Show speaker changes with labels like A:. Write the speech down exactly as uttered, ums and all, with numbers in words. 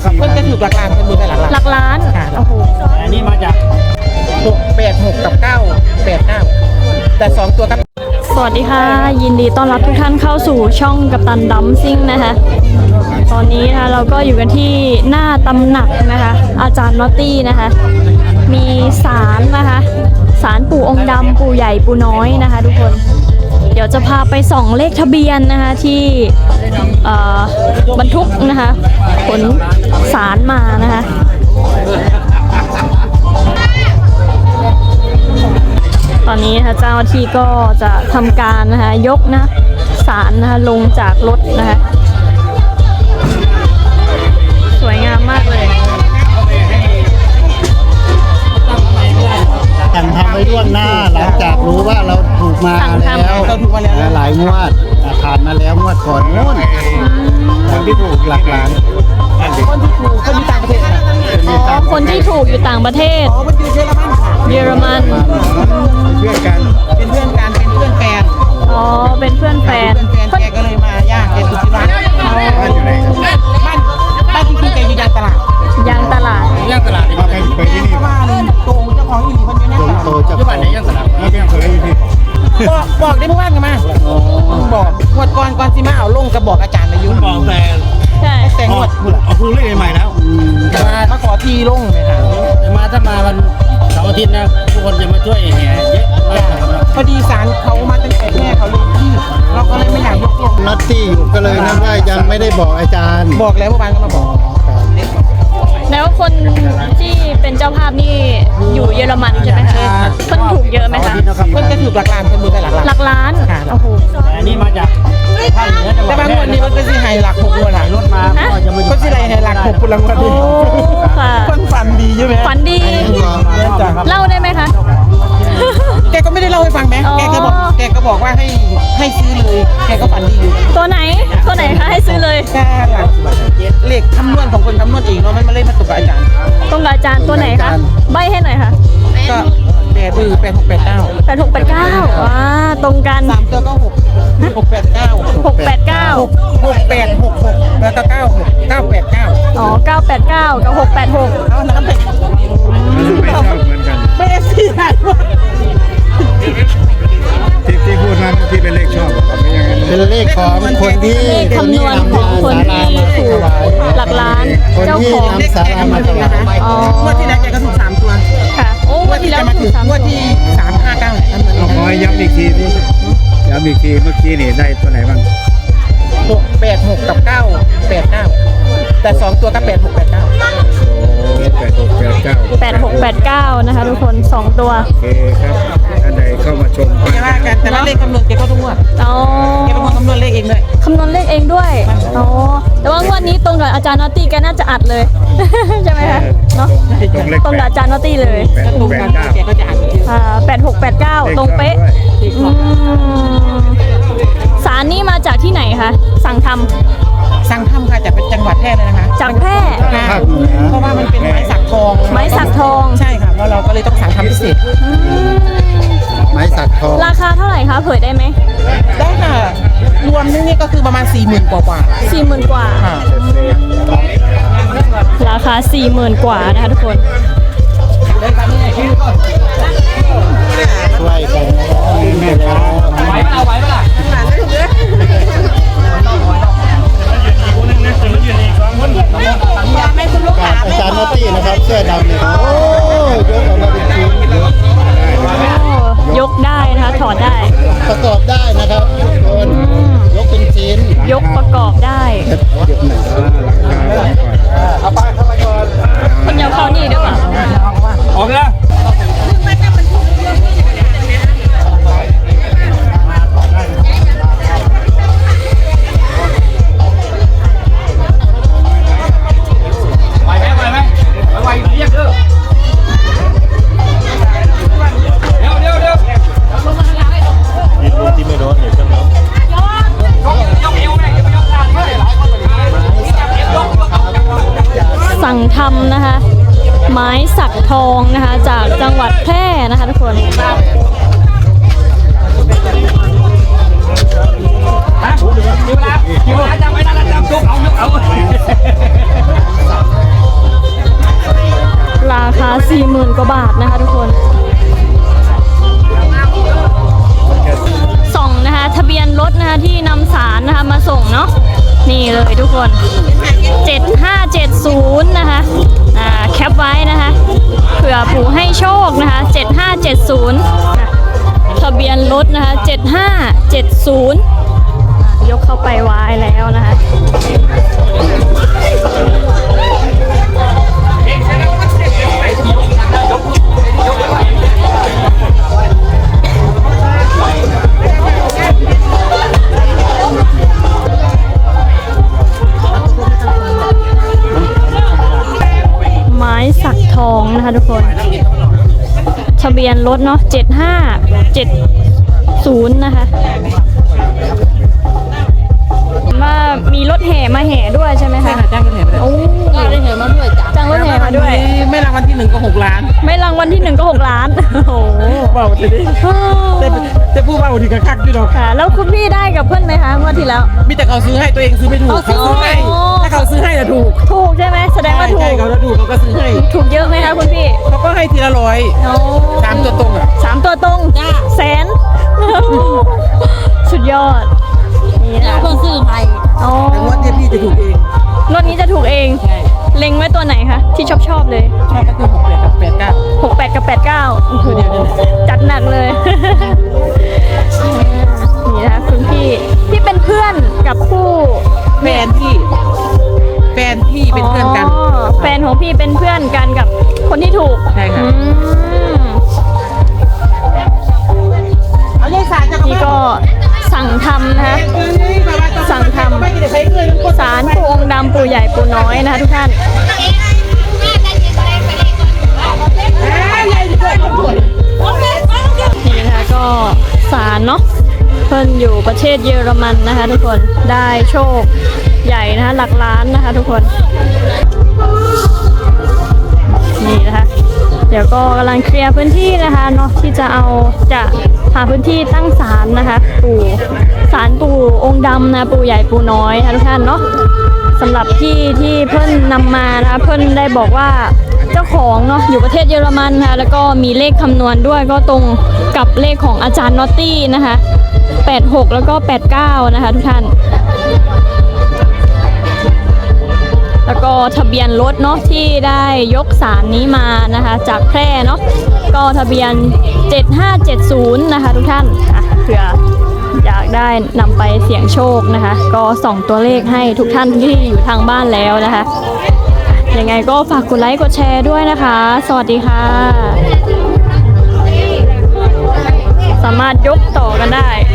A: เพิ่นจะถูกหลักล้านเป็นมือไปหลักล้าน
B: หลักล้านโอ้โห
C: อันนี้มาจาก
A: หกแปดหกกับเก้าแปดเก้าแต่สองตัวกับ
B: สวัสดีค่ะยินดีต้อนรับทุกท่านเข้าสู่ช่องกัปตันดัมซิ่งนะคะตอนนี้นะคะเราก็อยู่กันที่หน้าตำหนักนะคะอาจารย์นอตตี้นะคะมีศาลนะคะศาลปู่องค์ดำปู่ใหญ่ปู่น้อยนะคะทุกคนเดี๋ยวจะพาไปส่องเลขทะเบียนนะคะที่บรรทุกนะคะขนศาลมานะคะตอนนี้นะคะเจ้าหน้าที่ก็จะทำการนะคะยกนะศาลนะคะลงจากรถนะคะสวยงามมากเลย
C: สั่งทำไว้ล่วงหน้าหลังจากรู้ว่าเราถูกมาแล้วหลายงวดผ่านมาแล้วงวดก่อนนู้นคนที่ถูกหลักล้าน
A: คนที่ถูกคนที่ต่างประเทศ
B: อ๋อคนที่ถูกอยู่ต่างประเทศ
A: อ๋อมันอยู่เยอรมันค่ะ
B: เยอรมัน
C: เพื่อนกัน
A: เป็นเพื่อนกันเป็นเพื่อนแฟน
B: อ๋อเป็นเพื่อนแฟน
A: แฟนแกก็เลยมาย่างแกสุธิรัตน์บ้านอยู่ไหนครับบ้านบ้านที่คุณแกอยู่ยางตลาด
B: ยางตลาด
C: ย่างตลาดมาไปไปที่นี่
A: บ้านโตเจ้าของอีหลีคนนี้เนี่ย
C: โตเจ้าของย่างตลาดมาเป็นเคยที่
A: บอกบอกได้เมื่อวานกันมาบอกงวดก่อนก่อนสิมาเอาลงกระบอกอาจารย์มายุ่ง
C: บอกแต่
B: ใช่
A: แต่งวด
C: เอาพูดเรื่องใหม่แล้ว
A: มามาขอทีลงเลยค่ะ
C: มาถ้ามาวันเสาร์อาทิตย์นะทุกคนจะมาช่วยแห่เยอะมาก
A: พอดีศาลเขามาตั้งแต่แม่เขาเลยที่เราก็เลยไม่อยากยกลง
C: นัตตี้อยู่ก็เลยนะว่ายังไม่ได้บอกอาจารย์
A: บอกแล้วเมื่อวานก็มาบอก
B: แล้วคนที่เป็นเจ้าภาพนี่อยู่เยอรมันใช่ไหมคะเพิ่นถูกเยอะไหมคะ
A: เพิ่นจะถูกหลักล้านเป็นมือไปหลักล้าน
B: หลักล้านโอ้โห
C: อันนี้มาจากภาคเหนือจังหวัด
A: แต่บางวันนี้มันเป็นสิไฮหลักหกวันหลัง
C: รถมา
A: ก็จะมาก็สิไฮหลักหกคนละวันดีคนฝันดีใช่ไหม
B: ฝันดีเล่าได้ไหมคะ
A: แกก็ไม่ได้เล่าให้ฟังไหมแกก็บอกแกก็บอกว่าให้ให้ซื้อเลยแกก็ฝันดีอยู่
B: ตัวไหนตัวไหนคะให้ซื้อเลย
A: แค่หลักเลขคำนวณของคนคำนวณเองเนาะมันมาเล่นมาตกกับอาจารย์
B: ตรงกับอาจารย์ตัวไหนคะใบให้หน่อยค่ะ
A: ก็แปดคือแปดหกแปดเก้า
B: แปดหกแปดเก้าว้าตรงกัน
A: สามตัวก็หกหกแปดเก้า
B: หกแปดเก้า
A: หกแปดหกหกแล้วก็เก้าหกเก้าแปดเก้า
B: อ๋อเก้าแปดเก้ากับหกแปดหก
A: เอาน้ำไป
C: ไม่ชอบเหมือนกัน
A: ไม่ได้สี่ไหนวะ
C: ที่ที่พูดนั้นที่เป็นเลขชอบเป็นเลขของคนที่
B: คำนวณของคนที่ถูกหลักล้านเจ้าของ
C: นำสารามาถวาย
A: อ๋องวดที่แล้วแกก็ถูกสามตัว
B: ค่ะโอ้งวดที่แล้วถูกสาม
A: งวดที่สามห้าเก้า
C: ขอย้ำอีกทีที่ย้ำอีกทีเมื่อกี้นี่ได้ตัวไหนบ้าง
A: หกแปดหกกับเก้าแปดเก้าแต่สองตัวก็แปดหกแปดเก้า
C: แปดหกแปดเก้า
B: แปดหกแปดเก้านะคะทุกคนสองตัว
C: โอเคครับอันใดเข้ามาชม
A: แต่ว่ากันแต่ว่าเลขคำนวณแกก็ทุกงวด
B: อ๋อ
A: แกเป็นคนคำนวณเลขเองด้วย
B: คำนวณเลขเองด้วยอ๋อแต่ว่างวดนี้ตรงกับอาจารย์นอตตี้แกน่าจะอัดเลยใช่ไหมคะเนาะตรงกับอาจารย์นอตตี้เลย
A: ตรงกันแกก็จะอัด
B: อ่าแปดหกแปดเก้าตรงเป๊ะสารนี้มาจากที่ไหนคะสั่งทำ
A: สั่งทำค่ะจากเป็นจังหวัดแพร่เลยนะคะ
B: จากแพร่
A: เพราะว่ามันเป็นไม้สักทอง
B: ไม้สักทอง
A: ใช่ค่ะเพราะเราก็เลยต้องสั่งทำพิเศษ
C: ไม้สักทอง
B: ราคาเท่าไหร่คะเผยได้ไหม
A: ได้ค่ะรวมนี่ก็คือประมาณสี่หมื่นกว่ากว่า
B: สี่หมื่นกว่าราคาสี่หมื่นกว่านะคะทุกคน
C: ช่วยกันแม่ค้าไหวเปล่าไหวเปล่าอาจารย์นอตตี้นะครับเสื้อดำเนี่ยโอ้ยกออกมาเป็นชิ้น
B: ยกได้นะคะถอดได้
C: ประกอบได้นะครับคนยกเป็นชิ้น
B: ยกประกอบได้คนยาวเข้านี่ด้วยป่ะ
C: ออกแล้ว
B: สั่งทำนะคะไม้สักทองนะคะจากจังหวัดแพร่นะคะทุกคน
C: คิวละคิวละจำไว้นะจำจุกเอาเอา
B: สี่หมื่นกว่าบาทนะคะทุกคนส่งนะคะทะเบียนรถนะคะที่นำสารนะคะมาส่งเนาะนี่เลยทุกคนเจ็ดห้าเจ็ดศูนย์นะคะอ่าแคปไว้นะคะเผื่อปู่ให้โชคนะคะเจ็ดห้าเจ็ดศูนย์ทะเบียนรถนะคะเจ็ดห้าเจ็ดศูนย์ยกเข้าไปไว้แล้วนะคะไม้สักทองนะคะทุกคนทะเบียนรถเนาะเจ็ดห้าเจ็ดศูนย์นะคะว่ามีรถแห่มาแห่ด้วยใช่ไหม
A: ใช่
B: คะ
A: ค่ะจ้างกันแห่ไปเลย
B: โอ้จ้างรถแห่มาด้วยจ้างรถแห่มาด้วย
A: ไม่รางวัลที่หนึ่งก็หกล้าน
B: ไม่รางวัลที่หนึ่งก็หกล้านโอ้โห
A: เบาจะดิแต่แต่ผู้เบาถึงกับคักอยู่ดอก
B: ค่ะแล้วคุณพี่ได้กับเพื่อนไหมคะเมื่อที่แล้ว
A: มีแต่เขาซื้อให้ตัวเองซื้อไม่ถูก
B: เขาซื้อ
A: ให้
B: โอ้
A: ถ้าเขาซื้อให้จะถูก
B: ถูกใช่ไหมแสดงว่าถู
A: ใช่
B: ก
A: เขาถ้าถูกเขาก็ซื้อให้
B: ถูกเยอะไหมคะคุณพี่
A: เขาก็ให้ทีละร้อย
B: โอ้
A: สามตัวตรงอ่ะ
B: สามตัวตรงแสน สุดยอดนี่นะ
D: เพิ่งซื้อใหม่
B: อ๋อ
A: แต่งวดเนี่ยพี่จะถูกเอง
B: รถนี้จะถูกเอง
A: ใช่
B: เล็งไว้ตัวไหนคะที่ชอบชอบๆเลย
A: ชอบก็คือหกแปดกับแปดเก้า
B: หกแปดกับแปดเก้าโอ้โห
A: ตัวเดียวนี่แหละ
B: จัดหนักเลย นี่นะคะคุณพี่ที่เป็นเพื่อนกับผู้
A: แฟนพี่แฟนพี่เป็นเพื่อนกัน
B: อ๋อแฟนของพี่เป็นเพื่อนกันกับคนที่ถูก
A: ใช่ค่ะ
B: อืม
A: เอายายสายจะ
B: นี่ก็สั่งทำนะคะ สั่งทำสารปู่องค์ดำปู่ใหญ่ปู่น้อยนะคะทุกท่าน นี่นะคะก็สารเนาะเพิ่นอยู่ประเทศเยอรมันนะคะทุกคนได้โชคใหญ่นะคะหลักล้านนะคะทุกคน นี่นะคะเดี๋ยวก็กำลังเคลียร์พื้นที่นะคะเนาะที่จะเอาจะหาพื้นที่ตั้งศาลนะคะปู่ศาลปู่องค์ดำนะปู่ใหญ่ปู่น้อยนะคะทุกท่านเนาะสำหรับที่ที่เพิ่นนำมานะคะเพิ่นได้บอกว่าเจ้าของเนาะอยู่ประเทศเยอรมันนะคะแล้วก็มีเลขคำนวณด้วยก็ตรงกับเลขของอาจารย์นอตตี้นะคะแปดหกแล้วก็แปดเก้านะคะทุกท่านแล้วก็ทะเบียนรถเนาะที่ได้ยกสารนี้มานะคะจากแพร่เนาะก็ทะเบียนเจ็ดห้าเจ็ดศูนย์นะคะทุกท่านอ่ะเผื่ออยากได้นำไปเสี่ยงโชคนะคะก็ส่องตัวเลขให้ทุกท่านที่อยู่ทางบ้านแล้วนะคะยังไงก็ฝากกดไลค์กดแชร์ด้วยนะคะ สวัสดีค่ะ สามารถยกต่อกันได้